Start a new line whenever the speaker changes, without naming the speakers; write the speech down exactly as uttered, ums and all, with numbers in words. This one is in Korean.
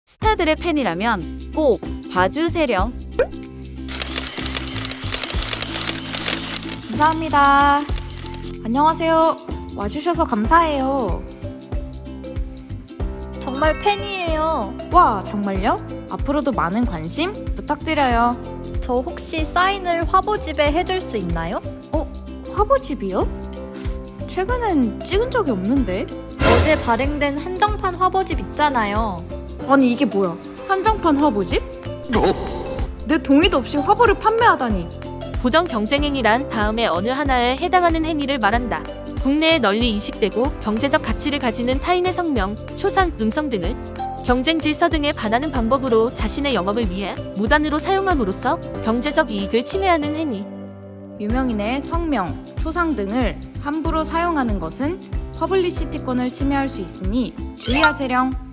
스타들의 팬이라면 꼭 봐주세요.
감사합니다. 안녕하세요. 와주셔서 감사해요.
정말 팬이에요.
와, 정말요? 앞으로도 많은 관심 부탁드려요.
저 혹시 사인을 화보집에 해줄 수 있나요?
어? 화보집이요? 최근엔 찍은 적이 없는데?
어제 발행된 한정판 화보집 있잖아요.
아니 이게 뭐야? 한정판 화보집? 내 동의도 없이 화보를 판매하다니.
부정 경쟁 행위란 다음에 어느 하나에 해당하는 행위를 말한다. 국내에 널리 인식되고 경제적 가치를 가지는 타인의 성명, 초상, 음성 등을 경쟁 질서 등에 반하는 방법으로 자신의 영업을 위해 무단으로 사용함으로써 경제적 이익을 침해하는 행위.
유명인의 성명, 초상 등을 함부로 사용하는 것은 퍼블리시티권을 침해할 수 있으니 주의하세요.